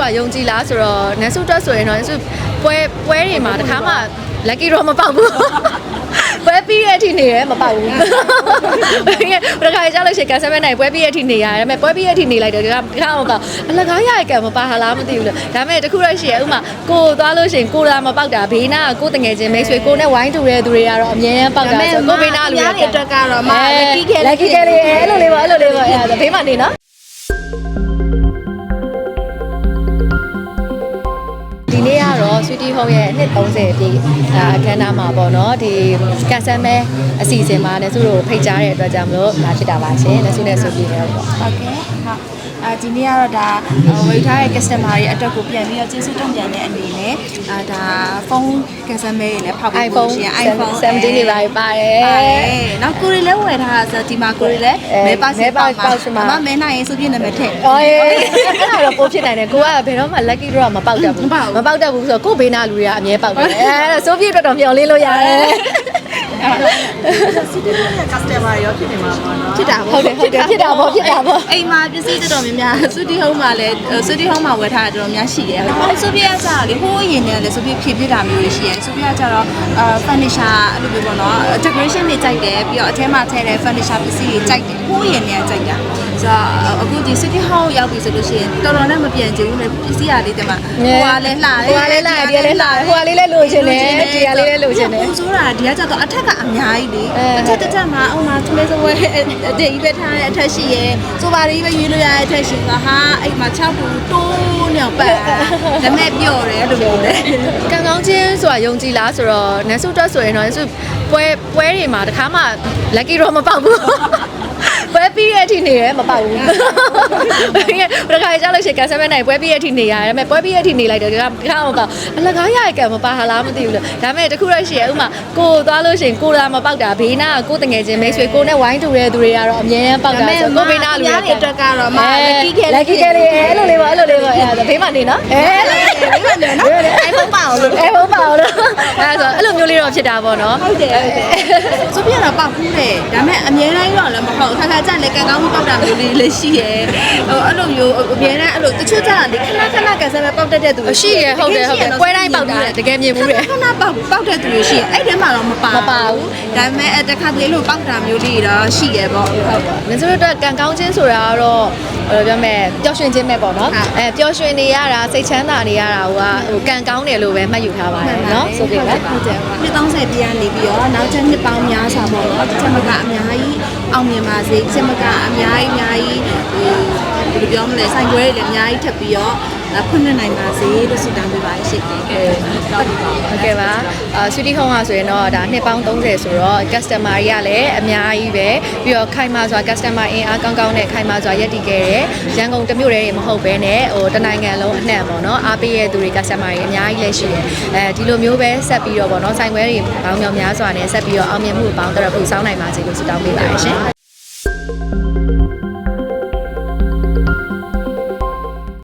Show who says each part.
Speaker 1: ယုံကြည်လားဆိုတော့နန်းစုတက်ဆိုရင်တော့နန်းစုပွဲတွေမှာတခါမှ lucky တော့မပေါက်ဘူးပွဲပြီးတဲ့အထိနေရမပေါက်ဘူးဘယ်ခါကြောက်လို့ရှိရင်ကန်ဆယ်မဲ့နိုင်ပွဲပြီးတဲ့အထိနေရတယ်ဒါပေမဲ့ပွဲပြီးတဲ့အထိနေလိုက်တယ်ဒီကမပေါက်အလကားရရကံမပါဟာလားမသိဘူးလို့ဒါပေမဲ့တခုတော့ရှိရဥမာကိုသွားလို့ရှိရင်ကိုလာမပေါက်တာဘေးနာကိုတငယ်ချင်းမိတ်ဆွေကိုနဲ့ဝိုင်းတူတဲ့သူတွေကတော့အမြဲတမ်းပေါက်တာဆိုကိုဘေးနာလူတွေ
Speaker 2: အတွက်ကတော့မ
Speaker 1: lucky ခဲလေးအဲ့လိုလေးပါအဲ့လိုလေးပါအဲ့ဒါဘေးမှာနေနော်ဒီနေ့ကတော့ Sweetie Home ရဲ့နှစ်30ပြည့်အခမ်းအနားမှာပေါ့နော်ဒီကန်ဆယ်မဲအစီအစဉ်မှာလည်းသူတို့ဖိတ်ကြားတဲ့အတွက်ကြောင့်မလို့လာဖြစ်တာပါရှင်လက်စုနဲ့ဆိုပြီးတော့ပေါ့
Speaker 2: ဟုတ်ကဲ့ဟုတ်ဒီနေ့ကတော့ဒါဝေထားတဲ့ customer တွေအတွက်ကိုပြန်ပြီးတော့ကျေးဇူးတင်ပြန်တဲ့အနေနဲ့ဒါဖုန်းကန်ဆယ်မဲတွေလည်းဖောက်ပြီးလို့ရှိရင် iPhone
Speaker 1: 17တွေပါပါတယ်
Speaker 2: နောက်ကိုရီလည်းဝယ်ထားတာဆိုဒီမှာကိုရီလည်းမဲပါစစ်ပေါက်မှာမမဲနိုင်ရင်စုပြည့်နာမည်ထည့်
Speaker 1: အဲ့ဒါတော့ပိုးဖြစ်နိုင်တယ်ကိုကဘယ်တော့မှ lucky draw မပေါက်တတ်ဘူးမပေါက်တတ်ဘူးဆိုတော့ကိုဘေးနာလူတွေကအမြဲပေါက်တယ်အဲ့ဒါဆိုပြည့်အတွက်တော့မျှော်လင့်လို့ရတယ်
Speaker 3: စီတီရဲ့ customer ရောဖြစ်နေမှာပေါ့နော်
Speaker 2: ဖြစ်တာပေါ့
Speaker 1: ဟုတ်တယ်ဖြစ်တာပေါ့
Speaker 2: အိမ်မှာပစ္စည်းတော်တော်များများစူတီဟုံးမှာလည်းစူတီဟုံးမှာဝယ်ထားတာတော်တော်များရှိတယ်စူပီယာကျတော့လေဟိုးရင်နဲ့လည်းစူပီဖြည့်ပြတာမျိုးတွေရှိတယ်စူပီယာကျတော့furniture အဲ့လိုမျိုးပေါ့နော် decoration တွေကြိုက်တယ်ပြီးတော့အထဲမှာထည့်တဲ့ furniture ပစ္စည်းတွေကြိုက်တယ်ဟိုးရင်နဲ့ကြိုက်တာဆိုတော့အခုဒီ city hall ရောက်ပြီဆိုလို့ရှိရင်တော်တော်နဲ့မပြန်ချင်ဘူးလေပစ္စည်းရလေးတမဟိုကလည်းလှတယ်
Speaker 1: ဟိုကလည်းလှတယ်ဒီကလည်းလှတယ်ဟိုကလေးလည်းလိုချင်တယ်ဒီကလေးလည်းလိုချင်တယ်
Speaker 2: ပုံဆိုတာဒီကကျတော့အထက်ကအများကြီးလေအထက်တစ်ထက်မှာအုံမှာသူလေးစဝဲအတေးကြီးပဲထားတဲ့အထက်ရှိရဲဆိုပါလေးပဲရွေးလို့ရတဲ့အထက်ရှိကဟာအိမ်မှာ6ဘူးတိုးနေအောင်ပတ်ဒါမဲ့ပြော့တယ်လို့ပြောတယ်
Speaker 1: ကံကောင်းချင်းဆိုတာယုံကြည်လားဆိုတော့နန်းစုတက်ဆိုရင်တော့နန်းစုပွဲတွေမှာတခါမှ lucky တော့မပေါက်ဘူးပွဲပြီးတဲ့အထိနေရမပေါက်ဘူးဘယ်ခါကြောက်လို့ရှိရင်ကန်ဆယ်မဲ့နိုင်ပွဲပြီးတဲ့အထိနေရတယ်ဒါပေမဲ့ပွဲပြီးတဲ့အထိနေလိုက်တယ်ဒီကမပေါက်အလကားရရကံမပါဟာလားမသိဘူးလို့ဒါပေမဲ့တခုတော့ရှိရဥမာကိုသွားလို့ရှိရင်ကိုလာမပေါက်တာဘေးနာကိုတငယ်ချင်းမိတ်ဆွေကိုနဲ့ဝိုင်းတူတဲ့သူတွေကတော့အမြဲတမ်းပေါက်တာဆိုကိုဘေးနာလူတွေ
Speaker 2: အတွက်ကတော့မ
Speaker 1: lucky ခဲလေးအဲ့လိုလေးပါအဲ့လိုလေးပါအဲ့ဒါဘေးမှာနေနော်
Speaker 2: ဘေးမှာနေနော် iPhone ပါအောင်လို့
Speaker 1: iPhone ပါအောင်လို့အဲ့ဆိုအဲ့လိုမျိုးလေးတော့ဖြစ်တာပေါ့နော်
Speaker 2: ဟုတ်တယ်ဆိုပြရတော့ပေါက်ဘူးတယ်ဒါပေမဲ့အမြဲတမ်းတော့လည်းမဟုတ်ခါခါကြလည်းကံကောင်းမှုပေါက်တာမျိုးလေးလည်းရှိရဲဟိုအဲ့လိုမျိုးအမြဲတမ်းအဲ့လိုတချို့ကြတာလေခဏကန်ဆယ်ပဲပေါက်တတ်တဲ့သူ
Speaker 1: ရှိရဲဟုတ်တယ်ပွဲတိုင်းပေါက်တာတကယ်မြင်ဘူးလေ
Speaker 2: ခဏပေါက်တဲ့သူတွေရှိရဲအဲ့ထဲမှာတော့မပါဘူးဒါပေမဲ့တခါတလေလို့ပေါက်တာမျိုးလေးတော့ရှိရဲပေါ့ဟုတ်
Speaker 1: ပါမင်းတို့အတွက်ကံကောင်းခြင်းဆိုတာကတော့ဘယ်လိုပြောမလဲပျော်ရွှင်ခြင်းပဲပေါ့နော်ပျော်ရွှင်နေရတာစိတ်ချမ်းသာနေရတာဟိုကံကောင်းတယ်လို့ပဲမှတ်ယူထားပါတယ်နော်ဆိုပြီးပဲ
Speaker 2: ဟုတ်တယ်နှစ်30ပြည့်နေပြီးတော့နောက်ချက်နှစ်ပေါင်းများစွာပေါ့နော်ချက်မကအများကြီးအောင်မြင်ပါစေချက်မကအများကြီးဟိုဘယ်လိုပြောမလဲဆိုင်ခွဲတွေလည်းအများကြီးထပ်ပြီးတော့ဖွင့်နိုင်ပါစေလို့ဆုတောင်းပေးပါရှိတယ်
Speaker 1: ဟုတ်ကဲ့ပါSweetie Home ဆိုရင်တော့ဒါနှစ်ပေါင်း30ဆိုတော့ customer တွေကလည်းအများကြီးပဲပြီးတော့ခိုင်မာစွာ customer အင်အားကောင်းကောင်းနဲ့ခိုင်မာစွာရပ်တည်ခဲ့တယ်ရန်ကုန်တမြို့တည်းတွေမဟုတ်ဘဲနဲ့ဟိုတနိုင်ငံလုံးအနှံ့ပေါ့နော်အားပေးရတဲ့သူတွေ customer တွေအများကြီးလည်းရှိတယ်ဒီလိုမျိုးပဲဆက်ပြီးတော့ပေါ့နော်ဆိုင်ခွဲတွေပေါင်းမြောင်များစွာနဲ့ဆက်ပြီးတော့အောင်မြင်မှုပေါင်းတော့ပို့ဆောင်နိုင်ပါစေလို့ဆုတောင်းပေးပါရရှင်